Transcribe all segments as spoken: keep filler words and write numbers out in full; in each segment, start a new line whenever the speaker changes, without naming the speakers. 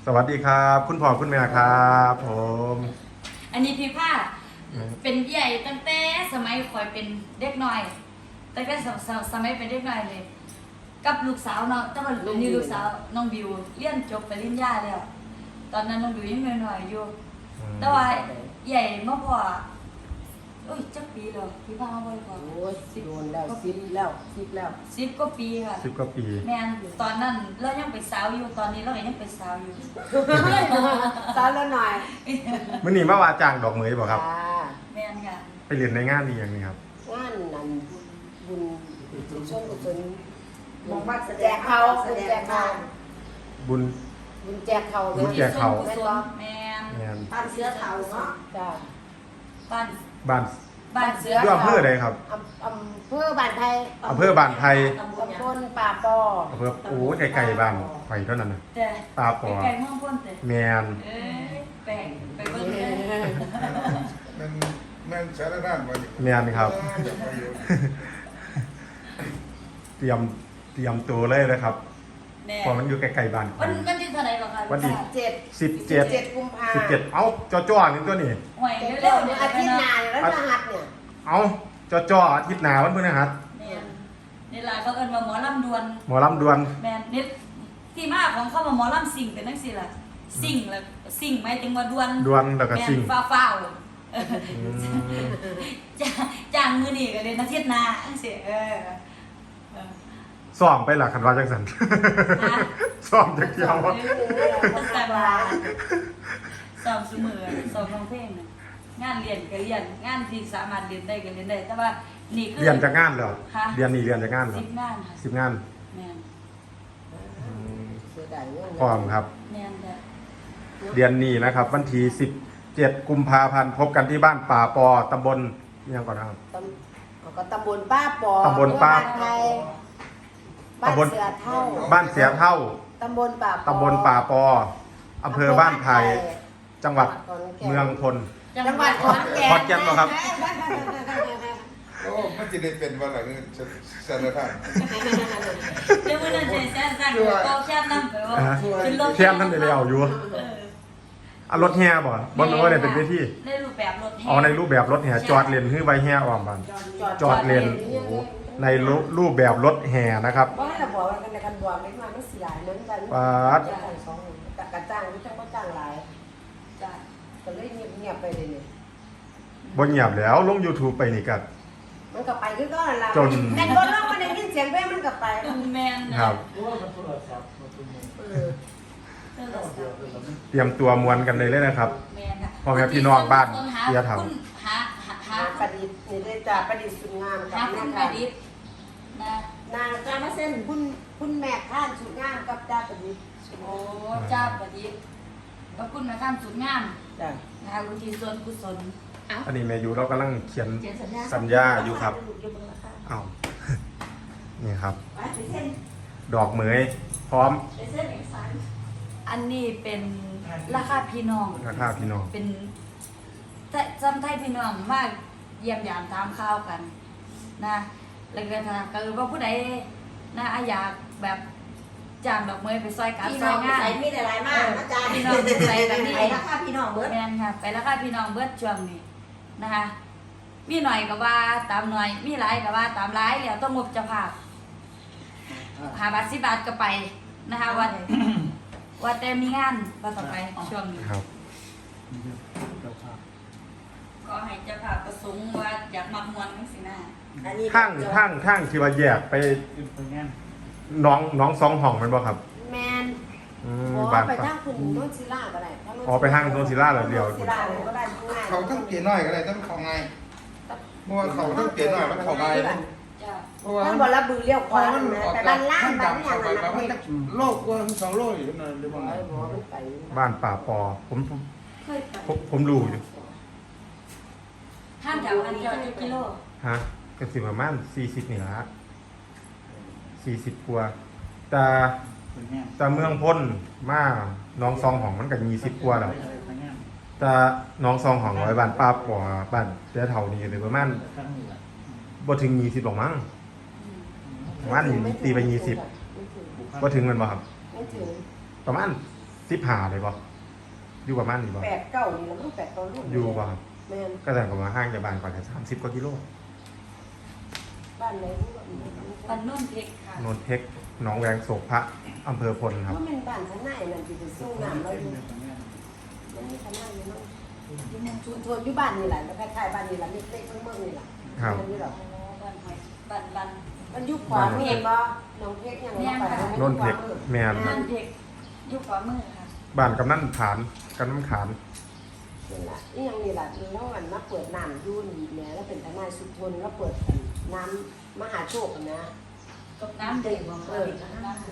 วัสดีครับคุณพ่อคุณแม่ครับผม
อันนี้พี่ผ้าเป็นใหญ่ตั้งแต่สมัยคอยเป็นเด็กน้อยตั้งแต่สมัยเป็นเด็กน้อยเลยกับลูกสาวเนาะแต่ว่านี่ลูกสาวน้องบิวเรียนจบปริญญาแล้วตอนนั้นน้องบิวยังน้อยๆอยู่แต่ว่าใหญ่เมื่อพอโอ้ยจักปีแล้วพี่ผ้ามาบ่อยกว่า
โอ้ยโดนแล้วสิบแล้วสิบแล้ว
สิบกว่าปีค่ะ
สิบกว่าปี
แม่นตอนนั้นเรายังเป็นสาวอยู่ตอนนี้เราก็ยังเป็นสาวอยู่
สาวแล้วหน่อย
มื่อนี้มาว่าจ้างดอกเหมยบ่ครับ
จ้า
แม่นค่ะ
ไปเรียนในงานนี้อย่างนี้ครับ
งานนั้นบุญบุญชนกุศล
มองว่าแสด
แจ
ง
ก
เขา
เขา
แส
บุญ
ด
แจ
ง
ก
เขา
เขา
บุญ
บุญแจกเขา
บุญแจกเขา
แม่นแม่น
งาน
บ้านเสื้อเทาเนาะ
จ้า
บ้าน
บ้าน
บ้านเสือ
อยู่อำเภอใดครับ
อำอำเภอบ้านไทย
อำเภอบ้านไทย
ตำบล
ตำ
เนี่ย
บลป่าปอ
อำเภอโอ้ไกลๆบ้านไฟเท่านั้นนะ
แต่
ตาปอ
ไก่เมืองพ้นแต่
แมน
เอ้ยแปลงไปเบิ่งเลย
มันมันสารด้านมาอยู่
แมนครับ เตรียมเตรียมตัวเลยนะครับ
แน่
เพอมันอยู่ใกล้ๆบ้าน
วันวันที่เท่าไหร่ก่อนคะ
วันที่
เจ็ด
สิบเจ็ด
เจ็ดกุมภา
สิบเจ็ดเอ้าจ่อๆนี่ตัวนี้
หวย
เจ็ด
เร็วๆ
เนี่
เนี่ย ย
อาทิตย์ห
นะ
น้าแล้วรหัสเนี่ย
เอ้าจ่อๆอาทิตย์หน้าวันพฤหัส
เนี่ยนี่ล่ะเขาเอิ้นว่าหมอลำดวน
หมอลำดวน
แม่นนี่ที่มาของเขาว่าหมอลำสิ่งเป็นจังซี่ล่ะสิ่งแล้วสิ่งหมายถึงว่าดวน
ดวนแล้วก็
แม่น
สิ่ง
ฟ้าวๆ
อืม
จ้างจ้างมื้อนี้ก็เลยอาทิตย์หน้าจังซี่เออเออ
ซ้อมไปล่ะคันว่าจังซั่น
ฮะ
ซ้อมจักเที่ยวว่า
แต่ว่าสอบเสมอสอบร้องเพลงน่ะงานเรียนก็เรียนงานที่สามารถเรียนได้ก็เรียนได้ แต่ว่านี่คือ
เรียนจากงานเหรอ
ค่ะ
เรียนนี่เรียนจากงานเหรอ
สิบงานค่ะ
สิบงาน
แม่น
เสียดายเงิน
พร้อมครับ
แม่นจ้ะ
เรียนนี่นะครับ วันที่สิบเจ็ดกุมภาพันธ์พบกันที่บ้านป่าปอตำบลอิหยังก่อนนะครับ
ตำเอาก็ตำบลป้าปอ
ตำบลป้า
เมืองนไทยบ้านเสือเท่า
บ้านเสียเท่า
ตำบลป่าปอ
ตำบลป่าปออำเภอบ้านไผ่จังหวัดเมืองพล
จังหวัดขอนแก่น
ขอนแก่นเหรอครับ
โอ้มันจะได้เป็นวันหลังสารด้าน
เดี๋ยวมื้อนั้นจะแซ่บสั่งก็แค่นำไปว่า
อ่า
ขึ้นรถ
แค่ท่านได้เอาอยู่
เออ
เอารถแห่บ่บ่รู้ว่าเนี่ยเป็นเวที
ในรูปแบบรถแห่
อ๋อในรูปแบบรถแห่จอดเลนคือใบแห่ออมบ้านจอดเลนโอ้โหในรูปแบบรถแห่นะครับ
ว่าให้เราบอกว่ากันในกันบอกเล็กน้อยมันเสียเหมือนกัน
ปาด
สองกระจ้างหรือจ้างก็จ้างหลาย
จ้ะ
ก็เลยเงียบเงียบไปเลยเนี่ย
บ่เงียบแล้วลง YouTube ไปนี่ก็
มันก็ไปคือก็นั่นแหละ
จน
แต่คนเรามันได้ยินเสียงเพลงมันก็ไป
แม่นนะครับ
เออ
เออ
เตรียมตัวมวนกันเลยเลยนะครับ
แม่นค่ะ
พ่อแม่พี่น้องบ้าน
ห
เสียเถา
คุณหาหาหา
หาประดิษฐ์นี่ได้จากประดิษฐ์สุดงามกั
หา
บ
คุ
แม่
ณป
ค่ะ
ระดิษฐ์นะ
นางการมาเส้นคุณคุณแม่ข้านสุดงามกับจ้าประดิษฐ์
โอ้เจ้าประดิษฐ์ขอบคุณมาข้ามสุดงาม
จ้ะ
นะคะคุณทีส่วนกุศลเอ้า
อันนี้แม่ยูเรากำลังเขียน
เขียนสัญญา
สัญญาอยู่ครับ
อยู่บนราคา
อ้าว นี่ครับ
ไปเส้น
ดอกเหมยพร้อม
เป็นเส้นเอกสารอันนี้เป็นราคาพี่น้อง
ราคาพี่น้อง
เป็นแต่จำไทยพี่น้องมากเยี่ยมยามตามข่าวกัน นะแล้วก็ถ้าเกิดว่าผู้ใดนะอยากแบบจ้างดอกไม้ไปซอยการ
พี่
ซ
น้
อ
อย ง
งาน
ใส่มีแต่หลายมากอาจารย์
พี่น้องใส่แบบนี้
ไปราคาพี่น้องเบิร์ด
แม่นค่ะไปราคาพี่น้องเบิดช่วงนี้นะคะมีหน่อยก็ว่าตามหน่อย มีหลายก็ว่าตามหลายแล้วต้องงบเจะภาพหาบาทสิบบาทก็ไปนะคะวัน ว่าแต่มีงานว่าต่อไปช่วงนี้
ครับ
ก็ให้เจ้าภาพประสงค์ว่าอยากมักมวนทั้งสินะ
อันนี้
ทั้งทั้งทั้งที่ว่าแยกไปน้องน้องสองห้องแมันบ่ครับ
แมน
อืม
ขอ
บ้าน
ไป
ปะ
ทางคุณโนนศิลาก็ได้
อ๋อไปทางโนนศิลาเหรอเดี๋ยว
โนนศิลาเลยก็ได้ง่าย
เขาต้องเปลี่ยนน้อยก็ได้ต้องเขาไงเพราะว่าเขาต้องเปลี่ยนน้อยมันเขาไง
จ้า
เพราะว่า
ท่านบอกแล้วบือเลี้ยวข
คว
า
มัน
นะ
ออก
แต่
จา
บ้าก นล่าง
ท่าน
บ้าน
ดำ
อย่า
เขา
ง
ไป
นั้น
มันโลกกว่าสองโลอยู่นั่นหรือเปล่า
หมอมันไป
บ้านป่าปอผมผม
เคยไป
ผมผมรู้อยู่
ห้างแถวอันเดียวจะกิโล
ฮะก็สิประมาณสี่สิบนี่ละสี่สิบกว่าแต่แต่เมืองพ้นมาน้องซองของมันก็ยี่สิบกว่าแล้วแต่น้องซองของร้อยบ้านป้าปอบ้านเจ้าเท่านี้เลยประมาณบ่ถึงยี่สิบหรอกมั้งประมาณตีไปยี่สิบบ่ถึงมันบ่ครับ
ไม่ถึง
ประมาณสิบหาเลยบ่อยู่ประมาณนี้บ่
แปดเก้านี่แล้วมันแปดเก้าลูก
อยู่บ่
แม่น
ก็แต่ก็มาห้างจากบ้านก่อนแค่สามสิบกว่ากิโล
บ้านไหนรู้ว่า
ปันนุ่นเพกค่ะ
โนนเทคหนองแวงโศกพระอำเภอพลครับ
ว่ามันบ้านข้างในนั่นที่จะสู้น้ำเราอยู่มันมีข้างในอยู่เนาะอยู่ในชุมชนอยู่บ้านนี่แหละแล้วคล้ายๆบ้านนี่แหละเล็กๆเมืองๆนี่แหละ
ครับ
มันอยู่หรอก
บ้านหอยบ้านบ้าน
มันอยู่ขวามือบ่น้องเพชรยังเราไป
โนนเทคแมน
นุ่นเพกอยู่ขวามือค่ะ
บ้านกำนันฐานกำนันขาน
นี่แหละนี่ยังนี่แหละแล้วมันมาเปิดน้ำยุ่นเนี่ยแล้วเป็นทนายสุทนแล้วเปิดน้ำมหาโชคนะ
ตกน้ำเด็กบ่เออน้ำ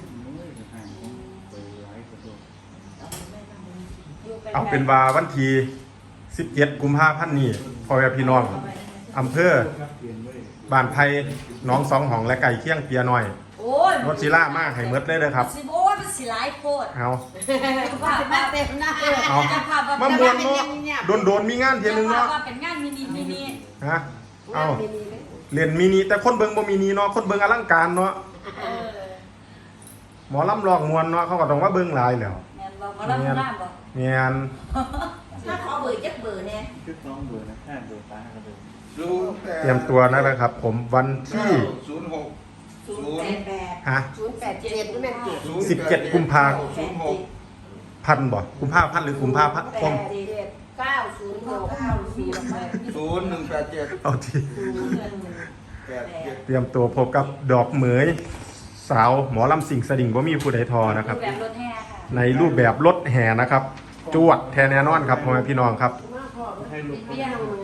เอาเป็นว่าวันที่สิบเจ็ดกุมภาพันธ์นี้พ่อแม่พี่น้องอำเภอบ้านไผ่หน้องสองหองและไก่เคียงเปียน้อย
โอ้ย
รถศิลามากให้เมดเลยเลยครับ
สิโอ้ยมันสิหลายโคตร
เอา
ว่า
มา
มา
เต็มหน้า
เอา
จะพาแบบ
มามวนเนาะโดนโดนๆมีงานเทียนึงเนาะ
ว่าเป็นงานมินิมินิ
ฮะเอา
มีมีเลย
เรียนมินิแต่คนเบิงบ่มินิเนาะคนเบิงอลังการเนาะ
เออ
หมอลำลองมวนเนาะเขาก็ต้องว่าเบิงหลายแล้ว
แม่นบ่มารับน้ำบ่
เมียน
ถ้าขอเบอร์จักเบอร์เนี่ย
ชุดน้องเบอร์นะแค่เบอร์ตาครับเบอร์
ศูนย์แปด
เตรียมตัวนะครับ ผมวันที่
ศูนย์หก
ศู
ศู
นย์
น
แป
ย์
ดแปด
ฮะ
ศูนย์แปดเจ็ดนี่แม่นเจ็ด
ศูนย์
สิบเจ็ดกุมภา
ศูนย์หก
พันบ่กุมภาพันธ์หรือกุมภาพันธ์
แป
คม
ดเจ็ดเก้าศูนย์หกเก้าสี่แปด
ศูนย์หนึ่งแปดเจ็ด
เอาที
แปดเจ็ด
เตรียมตัวพบกับดอกเหมยสาวหมอลำสิงสดิ่งบ่มีผู้ใดทอนะครับ
แบบรถแห่ค่ะ
ในรูปแบบรถแห่นะครับ จวดแทนแน่นอนครับพ่อแม่พี่น้องครับ
มาพ่อ
ให้ลูก
เบี้ย
ยัง